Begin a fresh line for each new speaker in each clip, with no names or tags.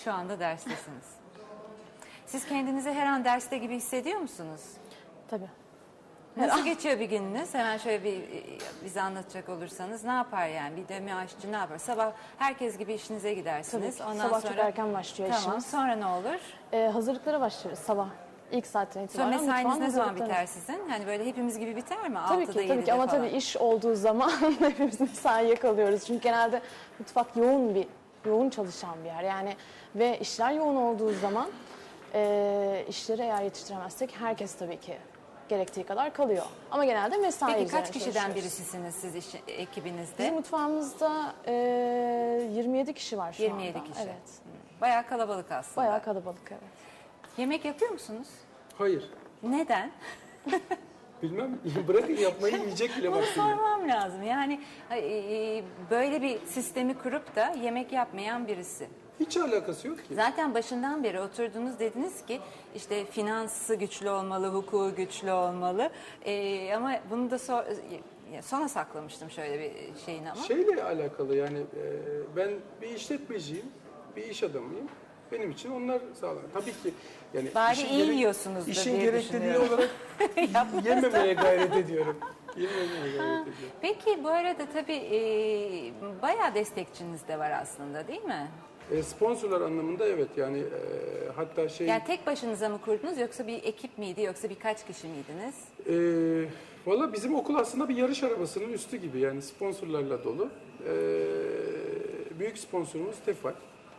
Şu anda derstesiniz. Siz kendinizi her an derste gibi hissediyor musunuz?
Tabii.
Nasıl geçiyor bir gününüz? Hemen şöyle bize anlatacak olursanız ne yapar yani? Bir dömi aşçı ne yapar? Sabah herkes gibi işinize gidersiniz.
Tabii ki.
Ondan
Sabah
sonra
çok erken başlıyor
tamam.
işimiz.
Sonra ne olur?
Hazırlıklara başlıyoruz sabah. İlk saatten
Sonra
itibaren
mesainiz
mutfağın
ne zaman
hazırlıklarını-
biter sizin? Hani böyle hepimiz gibi biter mi?
Tabii
6'da
ki, tabii ki
7'de
ama
falan.
tabii iş olduğu zaman hepimiz mesaiye kalıyoruz. Çünkü genelde mutfak yoğun çalışan bir yer. Yani ve işler yoğun olduğu zaman işleri eğer yetiştiremezsek herkes tabii ki gerektiği kadar kalıyor. Ama genelde mesai
Peki
üzerine
kaç kişiden
çalışıyoruz.
birisisiniz siz ekibinizde?
Bizim mutfağımızda 27 kişi var şu
27
anda.
kişi.
Evet.
Bayağı kalabalık aslında.
Bayağı kalabalık, evet.
Yemek yapıyor musunuz?
Hayır.
Neden?
Bilmem. Bırakın yapmayı, yiyecek bile
Bunu
vaktim yok.
sormam lazım. Yani böyle bir sistemi kurup da yemek yapmayan birisi.
Hiç alakası yok ki.
Zaten başından beri oturdunuz dediniz ki işte finansı güçlü olmalı, hukuku güçlü olmalı. Ama bunu da sona saklamıştım şöyle bir şeyin ama.
Şeyle alakalı yani ben bir işletmeciyim, bir iş adamıyım. Benim için onlar sağlam. Tabii ki yani
Bari iyi yiyorsunuzdur
işin
diye
gerekliliği
düşünüyorum.
olarak yememeye gayret ediyorum. Yememeye gayret ediyorum.
Peki bu arada tabii bayağı destekçiniz de var aslında değil mi?
Sponsorlar anlamında evet yani hatta şey...
Yani tek başınıza mı kurdunuz yoksa bir ekip miydi yoksa birkaç kişi miydiniz?
Valla bizim okul aslında bir yarış arabasının üstü gibi yani sponsorlarla dolu. Büyük sponsorumuz Tefal.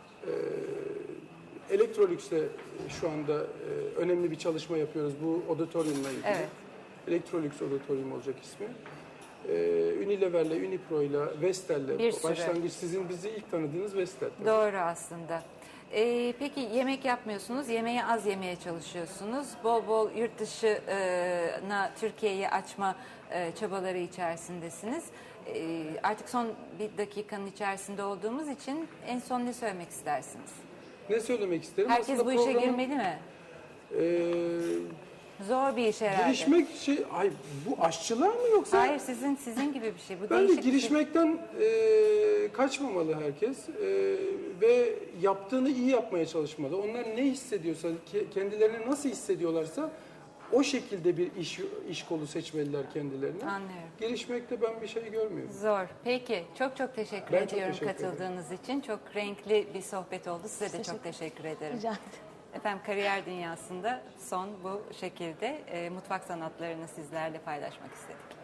Electrolux'te şu anda önemli bir çalışma yapıyoruz bu auditoriumla ilgili.
Evet.
Electrolux Auditorium olacak ismi. Unilever'le, Unipro'yla, Vestel'le
Bir sürü.
başlangıç sizin bizi ilk tanıdığınız Vestel.
Doğru aslında. Peki yemek yapmıyorsunuz, yemeği az yemeye çalışıyorsunuz. Bol bol yurt dışına Türkiye'yi açma çabaları içerisindesiniz. Artık son bir dakikanın içerisinde olduğumuz için en son ne söylemek istersiniz?
Ne söylemek isterim?
Herkes
Aslında
bu işe
programın,
girmeli mi?
e,
Zor bir iş herhalde.
girişmek ay bu aşçılar mı yoksa?
Hayır sizin gibi bir şey. Bu
Bence
değişik bir şey.
girişmekten kaçmamalı herkes ve yaptığını iyi yapmaya çalışmalı. Onlar ne hissediyorsa, kendilerini nasıl hissediyorlarsa o şekilde bir iş kolu seçmeliler kendilerine.
Anlıyorum.
Girişmekte ben bir şey görmüyorum.
Zor. Peki. Çok teşekkür
Ben çok
ediyorum
teşekkür ederim.
katıldığınız için. Çok renkli bir sohbet oldu. Size de çok teşekkür ederim.
Rica ederim.
Efendim kariyer dünyasında son bu şekilde mutfak sanatlarını sizlerle paylaşmak istedik.